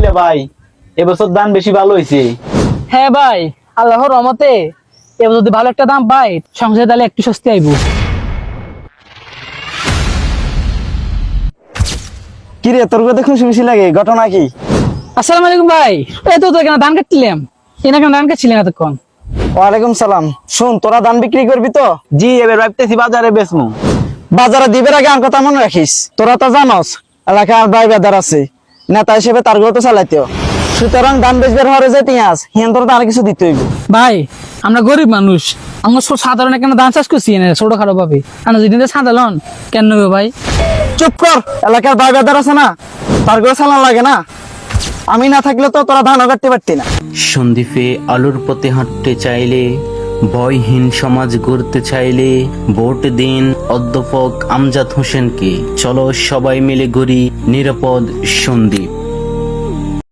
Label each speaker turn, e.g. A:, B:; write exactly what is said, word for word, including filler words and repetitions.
A: কিরে ভাই, এবছর ধান বেশি ভালো হয়েছে?
B: হ্যাঁ ভাই, আল্লাহর রহমতে এবার যদি ভালো একটা দাম পাই সংসারে তাহলে একটু স্বস্তি আইবো।
C: কি রে, তোর কথা খুশি খুশি লাগে, ঘটনা কি?
B: আসসালামু আলাইকুম ভাই। এই তো তো এখানে ধান কাটছিলাম, এখানে কেন ধান কাটছিলেন এতক্ষণ?
C: ওয়ালাইকুম সালাম। শুন, তোরা ধান বিক্রি করবি তো?
A: জি, এবার ভাবতেছি বাজারে বেচমু।
C: বাজারে দিবের আগে আমার কথা মনে রাখিস। তোরা তো জানস এলাকার ভাই বেদার আছে, নেতা হিসেবে তার গুলো তো চালাইতেও। সুতরাং ধান বেচবার হরে যে তিয়াস হিয়ান তোর আর কিছু দিতে হইব।
B: ভাই আমরা গরিব মানুষ, আমরা সব সাধারণ এখানে ধান চাষ করছি না ছোটখাটো ভাবে, আমরা যদি সাধারণ কেন নেবো ভাই?
C: চুপ কর, এলাকার ভাই বেদার আছে না, তার গুলো চালান লাগে না। আমি না থাকলে তো তোরা ধানও কাটতে পারতি না।
D: সন্দীপে আলোর পথে হাঁটতে চাইলে, ভয়হীন সমাজ গড়তে চাইলে ভোট দিন অধ্যাপক আমজাদ হোসেনকে। চলো সবাই মিলে গড়ি নিরাপদ সন্দীপ।